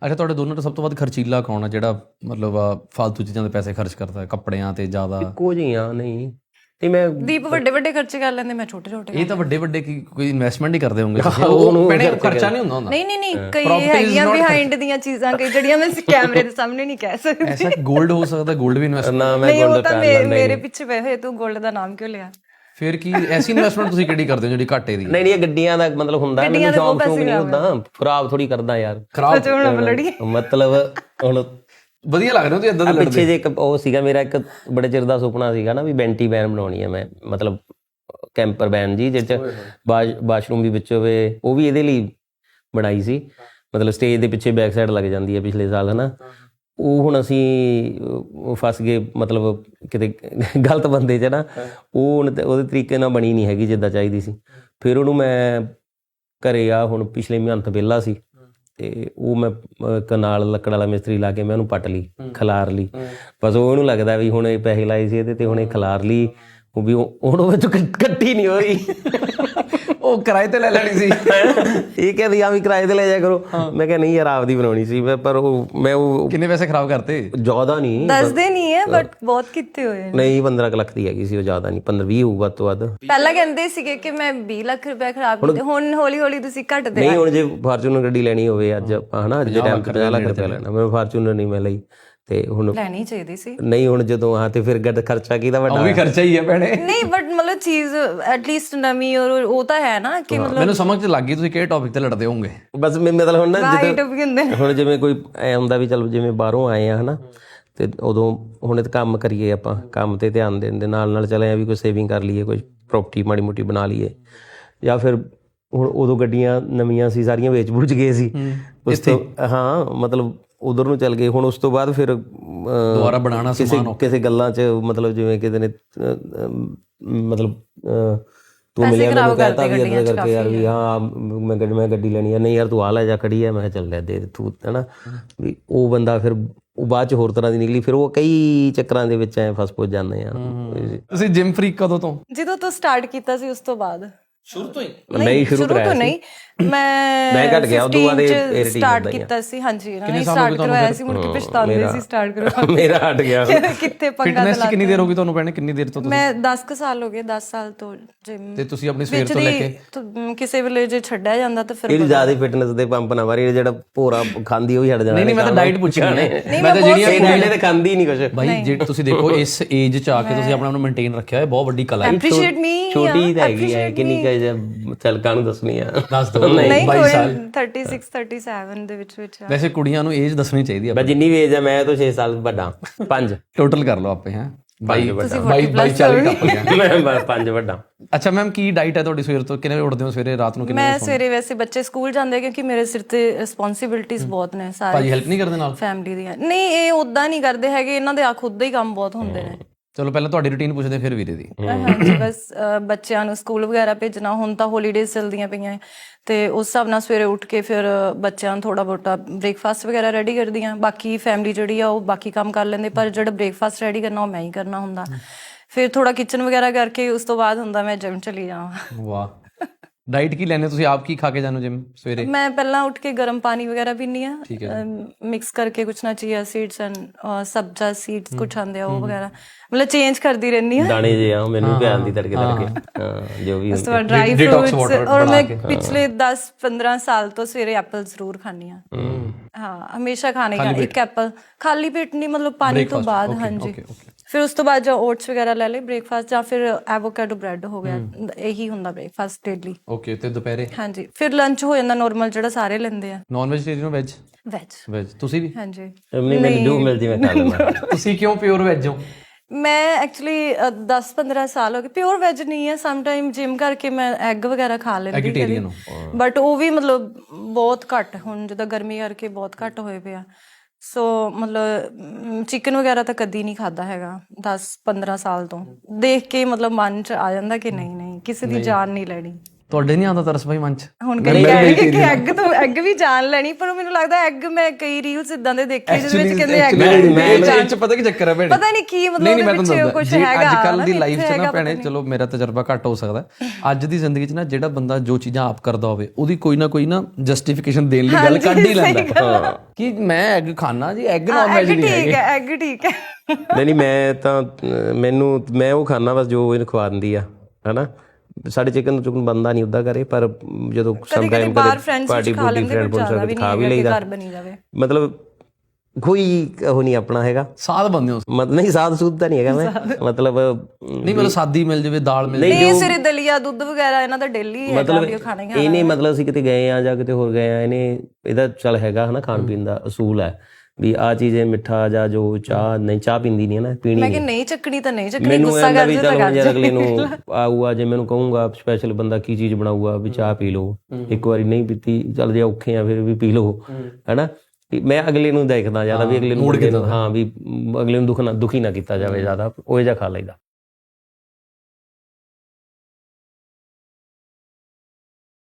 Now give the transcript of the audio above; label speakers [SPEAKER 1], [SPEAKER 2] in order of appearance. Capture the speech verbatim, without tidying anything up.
[SPEAKER 1] ਅੱਛਾ, ਤੁਹਾਡੇ ਦੋਨਾਂ ਤੋਂ ਸਭ ਤੋਂ ਵੱਧ ਖਰਚੀਲਾ ਕੌਣ ਆ ਜਿਹੜਾ ਮਤਲਬ ਫਾਲਤੂ ਚੀਜ਼ਾਂ ਦੇ ਪੈਸੇ ਖਰਚ ਕਰਦਾ ਹੈ, ਕੱਪੜਿਆਂ ਤੇ ਜ਼ਿਆਦਾ?
[SPEAKER 2] ਇੱਕੋ ਜਿਹੀਆਂ ਨਹੀਂ ਤੇ ਮੈਂ
[SPEAKER 3] ਦੀਪ ਵੱਡੇ ਵੱਡੇ ਖਰਚੇ ਕਰ ਲੈਂਦੇ, ਮੈਂ ਛੋਟੇ ਛੋਟੇ।
[SPEAKER 1] ਇਹ ਤਾਂ ਵੱਡੇ ਵੱਡੇ ਕੀ ਕੋਈ ਇਨਵੈਸਟਮੈਂਟ ਹੀ ਕਰਦੇ ਹੋਣਗੇ ਉਹ ਭੈਣੇ, ਖਰਚਾ ਨਹੀਂ ਹੁੰਦਾ ਹੁੰਦਾ।
[SPEAKER 3] ਨਹੀਂ ਨਹੀਂ ਨਹੀਂ ਕਈ ਹੈਗੀਆਂ ਬਿਹਾਈਂਡ ਦੀਆਂ ਚੀਜ਼ਾਂ ਕਈ ਜਿਹੜੀਆਂ ਮੈਂ ਕੈਮਰੇ ਦੇ ਸਾਹਮਣੇ ਨਹੀਂ ਕਹਿ ਸਕਦੀ।
[SPEAKER 1] ਐਸਾ ਗੋਲਡ ਹੋ ਸਕਦਾ, ਗੋਲਡ ਵੀ ਇਨਵੈਸਟ
[SPEAKER 2] ਨਾ ਮੈਂ
[SPEAKER 3] ਨਹੀਂ, ਉਹ
[SPEAKER 2] ਗੋਲਡ
[SPEAKER 3] ਤਾਂ
[SPEAKER 2] ਕਰ
[SPEAKER 3] ਮੇ-
[SPEAKER 2] ਲੈਂਦਾ
[SPEAKER 3] ਮੇਰੇ ਪਿੱਛੇ ਪਏ ਹੋਏ, ਤੂੰ ਗੋਲਡ ਦਾ ਨਾਮ ਕਿਉਂ ਲਿਆ?
[SPEAKER 1] ਫਿਰ ਕੀ ਐਸੀ ਇਨਵੈਸਟਮੈਂਟ ਤੁਸੀਂ ਕਿਹੜੀ ਕਰਦੇ ਹੋ ਜਿਹੜੀ ਘਾਟੇ ਦੀ?
[SPEAKER 2] ਨਹੀਂ ਨਹੀਂ, ਇਹ ਗੱਡੀਆਂ ਦਾ ਮਤਲਬ ਹੁੰਦਾ, ਮੈਨੂੰ ਸ਼ੌਂਕ ਸ਼ੌਂਕ ਨਹੀਂ ਹੁੰਦਾ, ਖਰਾਬ ਥੋੜੀ ਕਰਦਾ ਯਾਰ।
[SPEAKER 1] ਖਰਾਬ
[SPEAKER 2] ਮਤਲਬ ਹੁਣ
[SPEAKER 1] ਵਧੀਆ ਲੱਗ ਰਿਹਾ ਤੁਸੀਂ ਇਦਾਂ ਦੇ
[SPEAKER 2] ਪਿੱਛੇ ਜੇ ਇੱਕ ਉਹ ਸੀਗਾ ਮੇਰਾ, ਇੱਕ ਬੜੇ ਚਿਰ ਦਾ ਸੁਪਨਾ ਸੀਗਾ ਨਾ ਵੀ ਬੈਂਟੀ ਵੈਨ ਬਣਾਉਣੀ ਹੈ ਮੈਂ, ਮਤਲਬ ਕੈਂਪਰ ਵੈਨ ਜੀ ਜਿਹਦੇ ਚ ਬਾਥਰੂਮ ਵੀ ਵਿੱਚ ਹੋਵੇ, ਉਹ ਵੀ ਇਹਦੇ ਲਈ ਬਣਾਈ ਸੀ। ਮਤਲਬ ਸਟੇਜ ਦੇ ਪਿੱਛੇ ਬੈਕ ਸਾਈਡ ਲੱਗ ਜਾਂਦੀ ਹੈ ਪਿਛਲੇ ਸਾਲ, ਹਨਾ। ਉਹ ਹੁਣ ਅਸੀਂ ਫਸ ਗਏ ਮਤਲਬ ਕਿਤੇ ਗਲਤ ਬੰਦੇ 'ਚ ਨਾ, ਉਹ ਹੁਣ ਉਹਦੇ ਤਰੀਕੇ ਨਾਲ ਬਣੀ ਨਹੀਂ ਹੈਗੀ ਜਿੱਦਾਂ ਚਾਹੀਦੀ ਸੀ। ਫਿਰ ਉਹਨੂੰ ਮੈਂ ਘਰੇ ਆ ਹੁਣ ਪਿਛਲੇ ਮਹੀਨੇ ਵਿਹਲਾ ਸੀ ਤੇ ਉਹ ਮੈਂ ਇੱਕ ਨਾਲ ਲੱਕੜ ਵਾਲਾ ਮਿਸਤਰੀ ਲਾ ਕੇ ਮੈਂ ਉਹਨੂੰ ਪੱਟ ਲਈ, ਖਿਲਾਰ ਲਈ। ਬਸ ਉਹ ਉਹਨੂੰ ਲੱਗਦਾ ਵੀ ਹੁਣ ਇਹ ਪੈਸੇ ਲਾਏ ਸੀ ਇਹਦੇ ਤੇ, ਹੁਣ ਇਹ ਖਿਲਾਰ ਲਈ, ਉਹ ਵੀ ਹੁਣ ਉਹ ਵਿੱਚੋਂ ਕੱਟੀ ਨਹੀਂ ਹੋ ਰਹੀ।
[SPEAKER 1] ਉਹ ਕਿਰਾਏ ਤੇ ਲੈ ਲੈਣੀ ਸੀ।
[SPEAKER 2] ਇਹ ਕਹਿੰਦੀ ਆ ਵੀ ਕਿਰਾਏ ਤੇ ਲੈ ਜਾ ਕਰੋ। ਮੈਂ ਕਿਹਾ ਨਹੀਂ ਯਾਰ, ਆਪਦੀ ਬਣਾਉਣੀ ਸੀ ਮੈਂ। ਪਰ ਉਹ ਮੈਂ ਉਹ
[SPEAKER 1] ਕਿੰਨੇ ਪੈਸੇ ਖਰਾਬ ਕਰਤੇ?
[SPEAKER 2] ਜ਼ਿਆਦਾ ਨਹੀਂ,
[SPEAKER 3] ਦੱਸਦੇ ਨਹੀਂ ਹੈ ਬਟ ਬਹੁਤ ਕੀਤੇ ਹੋਏ ਨੇ।
[SPEAKER 2] ਨਹੀਂ ਪੰਦਰਾਂ ਕੁ ਲੱਖ ਦੀ ਹੈਗੀ ਸੀ ਉਹ, ਜ਼ਿਆਦਾ ਨਹੀਂ, ਪੰਦਰਾਂ ਵੀਹ ਹੋਊ ਵੱਧ ਤੋਂ ਵੱਧ।
[SPEAKER 3] ਪਹਿਲਾਂ ਕਹਿੰਦੇ ਸੀਗੇ ਕਿ ਮੈਂ ਵੀਹ ਲੱਖ ਰੁਪਏ ਖਰਾਬ ਕੀਤੇ, ਹੁਣ ਹੌਲੀ ਹੌਲੀ ਤੁਸੀਂ ਘਟਦੇ।
[SPEAKER 2] ਨਹੀਂ ਹੁਣ ਜੇ ਫਾਰਚੂਨਰ ਗੱਡੀ ਲੈਣੀ ਹੋਵੇ ਅੱਜ ਹਨਾ, ਅੱਜ ਦੇ ਟਾਈਮ ਤੇ ਪੰਜਾਹ ਲੱਖ ਰੁਪਇਆ ਲੈਣਾ, ਮੈਂ ਫਾਰਚੂਨਰ ਨਹੀਂ ਮੈਂ ਲਈ। ਤੇ ਹੁਣ
[SPEAKER 3] ਲੈਣੀ ਚਾਹੀਦੀ ਸੀ।
[SPEAKER 2] ਨਹੀਂ ਹੁਣ ਜਦੋਂ ਆ ਤੇ ਫਿਰ ਗੱਡ ਖਰਚਾ ਕਿਹਦਾ ਵੱਡਾ?
[SPEAKER 1] ਉਹ ਵੀ ਖਰਚਾ ਹੀ ਹੈ ਭੈਣੇ।
[SPEAKER 3] ਨਹੀਂ ਬਟ ਮਤਲਬ ਚੀਜ਼ ਐਟਲੀਸਟ ਨਵੀਂ, ਔਰ ਉਹ ਤਾਂ ਹੈ ਨਾ ਕਿ ਮਤਲਬ
[SPEAKER 1] ਮੈਨੂੰ ਸਮਝ ਚ ਲੱਗ ਗਈ ਤੁਸੀਂ ਕਿਹੜੇ ਟੌਪਿਕ ਤੇ ਲੜਦੇ ਹੋਵੋਗੇ।
[SPEAKER 2] ਬਸ ਮਤਲਬ ਹੁਣ ਨਾ
[SPEAKER 3] ਰਾਈਟ ਵੀ ਹੁੰਦੇ ਨੇ।
[SPEAKER 2] ਹੁਣ ਜਿਵੇਂ ਕੋਈ ਐ ਹੁੰਦਾ ਵੀ ਚਲੋ ਜਿਵੇਂ ਬਾਹਰੋਂ ਆਏ ਆ ਹਨਾ, ਤੇ ਉਦੋਂ ਹੁਣ ਤੇ ਕੰਮ ਕਰੀਏ ਆਪਾਂ, ਕੰਮ ਤੇ ਧਿਆਨ ਦੇਣ ਦੇ ਨਾਲ ਨਾਲ ਚਲੇ ਆ ਵੀ ਕੋਈ ਸੇਵਿੰਗ ਕਰ ਲਈਏ, ਕੋਈ ਪ੍ਰੋਪਰਟੀ ਮਾੜੀ ਮੋਟੀ ਬਣਾ ਲਈਏ, ਜਾਂ ਫਿਰ ਹੁਣ ਉਦੋਂ ਗੱਡੀਆਂ ਨਵੀਆਂ ਸੀ ਸਾਰੀਆਂ ਵੇਚ ਬੁੱਝ ਗਏ ਸੀ ਉਸ ਤੋਂ। ਹਾਂ ਮਤਲਬ ਉਧਰ ਨੂੰ ਚੱਲ ਗਏ। ਹੁਣ ਉਸ ਤੋਂ ਬਾਅਦ ਫਿਰ
[SPEAKER 1] ਦੁਬਾਰਾ ਬਣਾਉਣਾ
[SPEAKER 2] ਕਿਸੇ ਕਿਸੇ ਗੱਲਾਂ 'ਚ ਮਤਲਬ ਜਿਵੇਂ ਕਿਤੇ ਨੇ ਮਤਲਬ ਤੂੰ ਮਿਲਿਆ ਮੈਨੂੰ ਕਹਿਤਾ ਵੀ ਇੱਦਾਂ ਕਰਕੇ ਯਾਰ ਵੀ ਹਾਂ ਮੈਂ ਗੱਡੀ ਮੈਂ ਗੱਡੀ ਲੈਣੀ ਆ, ਨਹੀਂ ਯਾਰ ਤੂੰ ਆ ਲੈ ਜਾ ਖੜੀ ਆ, ਮੈਂ ਕਿਹਾ ਚੱਲ ਲੈ ਦੇ ਤੂੰ, ਹੈ ਨਾ। ਵੀ ਉਹ ਬੰਦਾ ਫਿਰ ਉਹ ਬਾਅਦ 'ਚ ਹੋਰ ਤਰ੍ਹਾਂ ਦੀ ਨਿਕਲੀ, ਫਿਰ ਉਹ ਕਈ ਚੱਕਰਾਂ ਦੇ ਵਿੱਚ ਐ ਫਸ ਫੁਸ ਜਾਂਦੇ ਆ।
[SPEAKER 1] ਤੁਸੀਂ ਜਿਮ ਫਰੀਕ ਕਦੋਂ ਤੋਂ?
[SPEAKER 3] ਜਦੋਂ ਤੋਂ ਸਟਾਰਟ ਕੀਤਾ ਸੀ ਉਸ ਤੋਂ ਬਾਅਦ?
[SPEAKER 1] ਸ਼ੁਰੂ ਤੋਂ ਹੀ?
[SPEAKER 2] ਨਹੀਂ ਸ਼ੁਰੂ
[SPEAKER 3] ਤੋਂ ਨਹੀਂ, ਮੈਂ
[SPEAKER 2] ਮੈਂ ਘਟ ਗਿਆ ਉਦੋਂ ਬਾਅਦ ਇਹ
[SPEAKER 3] ਸਟਾਰਟ ਕੀਤਾ ਸੀ। ਹਾਂਜੀ ਇਹਨਾਂ ਨੇ ਸਟਾਰਟ ਕਰਵਾਇਆ ਸੀ, ਮੁੜ ਕੇ ਪਛਤਾਉਂਦੇ ਸੀ ਸਟਾਰਟ ਕਰਵਾ।
[SPEAKER 2] ਮੇਰਾ ਹਟ ਗਿਆ
[SPEAKER 3] ਕਿੱਥੇ ਪੰਗਾ।
[SPEAKER 1] ਫਿਟਨੈਸ 'ਚ ਕਿੰਨੀ ਦੇਰ ਹੋ ਗਈ ਤੁਹਾਨੂੰ ਭੈਣੇ? ਕਿੰਨੀ ਦੇਰ ਤੋਂ ਤੁਸੀਂ?
[SPEAKER 3] ਮੈਂ ਦਸ ਕੁ ਸਾਲ ਹੋ ਗਏ, ਦਸ ਸਾਲ ਤੋਂ ਜਿਮ।
[SPEAKER 1] ਤੇ ਤੁਸੀਂ ਆਪਣੀ ਸਵੇਰ ਤੋਂ ਲੈ ਕੇ
[SPEAKER 3] ਕਿਸੇ ਵੇਲੇ ਜੇ ਛੱਡਿਆ ਜਾਂਦਾ ਤਾਂ ਫਿਰ
[SPEAKER 2] ਇਹ ਜ਼ਿਆਦਾ ਫਿਟਨੈਸ ਦੇ ਪੰਪ ਨਾ ਮਾਰੀ, ਜਿਹੜਾ ਭੋਰਾ ਖਾਂਦੀ ਉਹ ਹੀ ਹਟ ਜਾਣਾ।
[SPEAKER 1] ਨਹੀਂ ਨਹੀਂ, ਮੈਂ ਤਾਂ ਡਾਈਟ ਪੁੱਛਿਆ ਨੇ,
[SPEAKER 2] ਮੈਂ ਤਾਂ ਜਿਹੜੀਆਂ ਡਾਈਟ ਤੇ ਖਾਂਦੀ ਨਹੀਂ ਕੁਝ
[SPEAKER 1] ਭਾਈ। ਜੇ ਤੁਸੀਂ ਦੇਖੋ ਇਸ ਏਜ 'ਚ ਆ ਕੇ ਤੁਸੀਂ ਆਪਣਾ ਨੂੰ ਮੇਨਟੇਨ ਰੱਖਿਆ ਹੋਇਆ, ਬਹੁਤ ਵੱਡੀ ਕਲਾ ਹੈ।
[SPEAKER 3] Appreciate me.
[SPEAKER 2] ਛੋਟੀ ਤਾਂ ਹੈਗੀ ਹੈ, ਕਿੰਨੀ ਕੁ ਚਲਕਾਂ ਨੂੰ ਦੱਸਣੀ ਆ?
[SPEAKER 1] ਦੱਸ ਦੋ।
[SPEAKER 3] ਨਹੀਂ ਬਾਈ ਸਾਲ ਛੱਤੀ, ਸੈਂਤੀ-ਸੱਤ ਦੇ ਵਿੱਚ ਵਿੱਚ।
[SPEAKER 1] ਵੈਸੇ ਕੁੜੀਆਂ ਨੂੰ ਏਜ ਦੱਸਣੀ ਚਾਹੀਦੀ ਆ।
[SPEAKER 2] ਮੈਂ ਜਿੰਨੀ ਵੀ ਏਜ ਹੈ ਮੈਂ ਤਾਂ ਛੇ ਸਾਲ ਵੱਡਾ, ਪੰਜ
[SPEAKER 1] ਟੋਟਲ ਕਰ ਲਓ ਆਪੇ। ਹੈ
[SPEAKER 2] ਬਾਈ ਵੱਡਾ,
[SPEAKER 1] ਬਾਈ ਬਾਈ ਚਾਲੀ ਟੱਪ ਗਿਆ
[SPEAKER 2] ਮੈਂ ਪੰਜ ਵੱਡਾ।
[SPEAKER 1] ਅੱਛਾ ਮੈਮ, ਕੀ ਡਾਈਟ ਹੈ ਤੁਹਾਡੀ ਸਵੇਰ ਤੋਂ? ਕਿੰਨੇ ਵਜੇ ਉੱਠਦੇ ਹੋ ਸਵੇਰੇ, ਰਾਤ ਨੂੰ ਕਿੰਨੇ?
[SPEAKER 3] ਮੈਂ ਸਵੇਰੇ ਵੈਸੇ ਬੱਚੇ ਸਕੂਲ ਜਾਂਦੇ ਕਿਉਂਕਿ ਮੇਰੇ ਸਿਰ ਤੇ ਰਿਸਪੌਂਸਿਬਿਲਟੀਜ਼ ਬਹੁਤ ਨੇ ਸਾਰੇ।
[SPEAKER 1] ਭਾਜੀ ਹੈਲਪ ਨਹੀਂ ਕਰਦੇ ਨਾਲ?
[SPEAKER 3] ਫੈਮਿਲੀ ਦੀਆਂ ਨਹੀਂ, ਇਹ ਉਦਾਂ ਨਹੀਂ ਕਰਦੇ ਹੈਗੇ, ਇਹਨਾਂ ਦੇ ਆ ਖੁਦ ਦੇ ਹੀ ਕੰਮ ਬਹੁਤ ਹੁੰਦੇ ਨੇ।
[SPEAKER 1] ਚਲੋ ਪਹਿਲਾਂ ਤੁਹਾਡੀ ਰੁਟੀਨ ਪੁੱਛਦੇ ਫਿਰ ਵੀਰੇ ਦੀ।
[SPEAKER 3] ਹਾਂਜੀ ਬਸ ਬੱਚਿਆਂ ਨੂੰ ਸਕੂਲ ਵਗੈਰਾ ਭੇਜਣਾ, ਹੁਣ ਤਾਂ ਹੋਲੀਡੇਜ਼ ਚੱਲਦੀਆਂ ਪਈਆਂ ਤੇ ਉਸ ਹਿਸਾਬ ਨਾਲ ਸਵੇਰੇ ਉੱਠ ਕੇ ਫਿਰ ਬੱਚਿਆਂ ਨੂੰ ਥੋੜਾ ਬਹੁਤਾ ਬ੍ਰੇਕਫਾਸਟ ਵਗੈਰਾ ਰੈਡੀ ਕਰਦੀ ਹਾਂ। ਬਾਕੀ ਫੈਮਿਲੀ ਜਿਹੜੀ ਆ ਉਹ ਬਾਕੀ ਕੰਮ ਕਰ ਲੈਂਦੇ, ਪਰ ਜਿਹੜਾ ਬ੍ਰੇਕਫਾਸਟ ਰੈਡੀ ਕਰਨਾ ਉਹ ਮੈਂ ਹੀ ਕਰਨਾ ਹੁੰਦਾ। ਫਿਰ ਥੋੜਾ ਕਿਚਨ ਵਗੈਰਾ ਕਰਕੇ ਉਸ ਤੋਂ ਬਾਅਦ ਹੁੰਦਾ ਮੈਂ ਜਿਮ ਚਲੀ ਜਾਵਾਂ।
[SPEAKER 1] ਵਾਹ। ਡਾਈਟ ਕੀ ਲੈਣੇ ਤੁਸੀਂ? ਆਪ ਕੀ ਖਾ ਕੇ ਜਾਂਦੇ ਹੋ ਜਿਮ ਸਵੇਰੇ?
[SPEAKER 3] ਮੈਂ ਪਹਿਲਾਂ ਉੱਠ ਕੇ ਗਰਮ ਪਾਣੀ ਵਗੈਰਾ ਪੀਂਦੀ ਆ, ਮਿਕਸ ਕਰਕੇ ਕੁਛ ਨਾ ਚੀਆ ਸੀਡਸ ਐਂਡ ਸਬਜ਼ਾ ਸੀਡਸ ਕੁਛ ਆਉਂਦੇ ਆ ਉਹ ਵਗੈਰਾ, ਮਤਲਬ ਚੇਂਜ ਕਰਦੀ ਰਹਿੰਦੀ ਆ।
[SPEAKER 2] ਦਾਣੇ ਜੇ ਆ ਮੈਨੂੰ ਪਿਆਰ ਦੀ ਤੜਕੇ ਤੜਕੇ ਹਾਂ ਜੋ ਵੀ
[SPEAKER 3] ਉਸ ਤੋਂ ਬਾਅਦ ਡਰਾਈ ਫਰੂਟਸ। ਔਰ ਮੈਂ ਪਿਛਲੇ ਦਸ ਪੰਦਰਾਂ ਸਾਲ ਤੋਂ ਸਵੇਰੇ ਐਪਲ ਜ਼ਰੂਰ ਖਾਂਦੀ ਆ। ਹਾਂ ਹਮੇਸ਼ਾ ਖਾਣੇ ਦਾ ਇੱਕ ਐਪਲ, ਖਾਲੀ ਪੇਟ ਨਹੀਂ, ਮਤਲਬ ਪਾਣੀ ਤੋਂ ਬਾਅਦ। ਹਾਂਜੀ ਫਿਰ ਉਸ ਤੋਂ ਬਾਅਦ ਜਾਂ ਓਟਸ ਵਗੈਰਾ ਲੈ ਲਏ ਬ੍ਰੇਕਫਾਸਟ, ਜਾਂ ਫਿਰ ਐਵੋਕਾਡੋ ਬ੍ਰੈਡ ਹੋ ਗਿਆ, ਇਹੀ ਹੁੰਦਾ ਬ੍ਰੇਕਫਾਸਟ ਡੇਲੀ।
[SPEAKER 1] ਓਕੇ। ਤੇ ਦੁਪਹਿਰੇ?
[SPEAKER 3] ਹਾਂਜੀ ਫਿਰ ਲੰਚ ਹੋ ਜਾਂਦਾ ਨਾਰਮਲ ਜਿਹੜਾ ਸਾਰੇ ਲੈਂਦੇ ਆ।
[SPEAKER 1] Non vegetarian veg?
[SPEAKER 3] Veg.
[SPEAKER 1] Veg ਤੁਸੀਂ ਵੀ?
[SPEAKER 3] ਹਾਂਜੀ।
[SPEAKER 2] ਮੈਨੂੰ ਜੋ ਮਿਲਦੀ ਮੈਂ ਖਾ ਲੈਂਦਾ।
[SPEAKER 1] ਤੁਸੀਂ ਕਿਉਂ ਪਿਓਰ ਵੈਜ ਹੋ?
[SPEAKER 3] ਮੈਂ ਐਕਚੁਅਲੀ ਦਸ ਪੰਦਰਾਂ ਸਾਲ ਹੋ ਗਏ ਪਿਓਰ ਵੈਜ ਨਹੀਂ ਹੈ। ਸਮ ਟਾਈਮ ਜਿਮ ਕਰਕੇ ਮੈਂ ਐਗ ਵਗੈਰਾ ਖਾ ਲੈਂਦੀ, ਬਟ ਉਹ ਵੀ ਮਤਲਬ ਬਹੁਤ ਘੱਟ। ਹੁਣ ਜਿੱਦਾਂ ਗਰਮੀ ਕਰਕੇ ਬਹੁਤ ਘੱਟ ਹੋਏ ਪਿਆ, ਸੋ ਮਤਲਬ ਚਿਕਨ ਵਗੈਰਾ ਤਾਂ ਕਦੀ ਨਹੀਂ ਖਾਧਾ ਹੈਗਾ ਦਸ ਪੰਦਰਾਂ ਸਾਲ ਤੋਂ। ਦੇਖ ਕੇ ਮਤਲਬ ਮਨ 'ਚ ਆ ਜਾਂਦਾ ਕਿ ਨਹੀਂ ਨਹੀਂ ਕਿਸੇ ਦੀ ਜਾਨ ਨਹੀਂ ਲੈਣੀ।
[SPEAKER 1] ਤੁਹਾਡੇ ਨਹੀਂ ਆਉਂਦਾ ਤਰਸ ਭਾਈ ਮਨ ਚ?
[SPEAKER 3] ਹੁਣ ਕਈ ਕਹਿਣਗੇ ਕਿ ਐਗ ਤੋਂ ਐਗ ਵੀ ਜਾਨ ਲੈਣੀ, ਪਰ ਮੈਨੂੰ ਲੱਗਦਾ ਐਗ ਮੈਂ ਕਈ ਰੀਲਸ ਇਦਾਂ ਦੇ ਦੇਖੇ ਜਿਹਦੇ ਵਿੱਚ ਕਹਿੰਦੇ ਐਗ
[SPEAKER 1] ਮੈਂ ਚ ਪਤਾ ਕੀ ਚੱਕਰ ਹੈ ਭੈਣੇ,
[SPEAKER 3] ਪਤਾ ਨਹੀਂ ਕੀ ਮਤਲਬ ਉਹਦੇ ਪਿੱਛੇ ਕੁਝ ਹੈਗਾ।
[SPEAKER 1] ਅੱਜ ਕੱਲ ਦੀ ਲਾਈਫ ਚ ਨਾ ਭੈਣੇ, ਚਲੋ ਮੇਰਾ ਤਜਰਬਾ ਘੱਟ ਹੋ ਸਕਦਾ, ਅੱਜ ਦੀ ਜ਼ਿੰਦਗੀ ਚ ਨਾ ਜਿਹੜਾ ਬੰਦਾ ਜੋ ਚੀਜ਼ਾਂ ਆਪ ਕਰਦਾ ਹੋਵੇ ਉਹਦੀ ਕੋਈ ਨਾ ਕੋਈ ਨਾ ਜਸਟੀਫਿਕੇਸ਼ਨ ਦੇਣ ਲਈ ਗੱਲ ਕੱਢ ਹੀ ਲੈਂਦਾ ਕਿ ਮੈਂ ਐਗ ਖਾਣਾ ਜੀ, ਐਗ ਨਾਨ ਵੈਜ ਨਹੀਂ ਹੈਗੇ।
[SPEAKER 3] ਠੀਕ ਹੈ, ਐਗ ਠੀਕ ਹੈ।
[SPEAKER 2] ਨਹੀਂ ਨਹੀਂ ਮੈਂ ਤਾਂ ਮੈਨੂੰ ਮੈਂ ਉਹ ਖਾਣਾ ਬਸ ਜੋ ਇਹਨੂੰ ਖਵਾ ਦਿੰਦੀ ਆ ਹਨਾ। ਸਾਡੇ ਚਿਕਨ ਚੁਕਨ ਬੰਦਾ ਨਹੀਂ ਉੱਦਾਂ ਕਰੇ, ਪਰ ਜਦੋਂ ਸਮ ਟਾਈਮ ਕਦੇ ਪਾਰਟੀ ਪੂਰਟੀ ਫਰੈਂਡ ਫਰੈਂਡ ਖਾ ਵੀ ਲਈਦਾ। ਮਤਲਬ ਕੋਈ ਉਹ ਨਹੀਂ ਆਪਣਾ ਹੈਗਾ
[SPEAKER 1] ਸਾਦ ਬੰਦੇ ਹੋ
[SPEAKER 2] ਮਤਲਬ, ਨਹੀਂ ਸਾਦ ਸੂਦ ਤਾਂ ਨਹੀਂ ਹੈਗਾ ਮੈਂ, ਮਤਲਬ
[SPEAKER 1] ਨਹੀਂ ਮਤਲਬ ਸਾਦੀ ਮਿਲ ਜਾਵੇ, ਦਾਲ ਮਿਲ
[SPEAKER 3] ਜਾਵੇ, ਸਿਰੇ ਦਲੀਆ ਦੁੱਧ ਵਗੈਰਾ ਇਹਨਾਂ ਦਾ ਡੇਲੀ ਹੈ ਖਾਣਾ ਹੀ।
[SPEAKER 2] ਇਹਨੇ ਮਤਲਬ ਅਸੀਂ ਕਿਤੇ ਗਏ ਆ ਜਾਂ ਕਿਤੇ ਹੋਰ ਗਏ ਆ, ਇਹਨੇ ਇਹਦਾ ਚੱਲ ਹੈਗਾ ਹਨਾ ਖਾਣ ਪੀਣ ਦਾ ਅਸੂਲ ਹੈ ਵੀ ਆਹ ਚੀਜ਼ ਮਿੱਠਾ ਜਾਂ ਜੋ ਚਾਹ ਨਹੀਂ, ਚਾਹ ਪੀਂਦੀ ਨਹੀਂ ਹੈ ਨਾ, ਪੀਣੀ
[SPEAKER 3] ਮੈਂ ਕਿ ਨਹੀਂ ਚੱਕਣੀ ਤਾਂ ਨਹੀਂ ਚੱਕਣੀ,
[SPEAKER 2] ਮੈਨੂੰ
[SPEAKER 3] ਗੁੱਸਾ
[SPEAKER 2] ਵੀ ਚੱਲ ਯਾਰ ਅਗਲੇ ਨੂੰ ਆਊਗਾ ਜੇ ਮੈਨੂੰ ਕਹੂੰਗਾ ਸਪੈਸ਼ਲ ਬੰਦਾ ਕੀ ਚੀਜ਼ ਬਣਾਊਗਾ ਵੀ ਚਾਹ ਪੀ ਲਓ, ਇੱਕ ਵਾਰੀ ਨਹੀਂ ਪੀਤੀ ਚੱਲ ਜੇ ਔਖੇ ਆ ਫਿਰ ਵੀ ਪੀ ਲਓ ਹਨਾ। ਮੈਂ ਅਗਲੇ ਨੂੰ ਦੇਖਦਾ ਜ਼ਿਆਦਾ ਵੀ ਅਗਲੇ ਨੂੰ, ਹਾਂ ਵੀ ਅਗਲੇ ਨੂੰ ਦੁੱਖ ਨਾ ਦੁਖੀ ਨਾ ਕੀਤਾ ਜਾਵੇ ਜ਼ਿਆਦਾ, ਉਹ ਜਿਹਾ ਖਾ ਲਈਦਾ।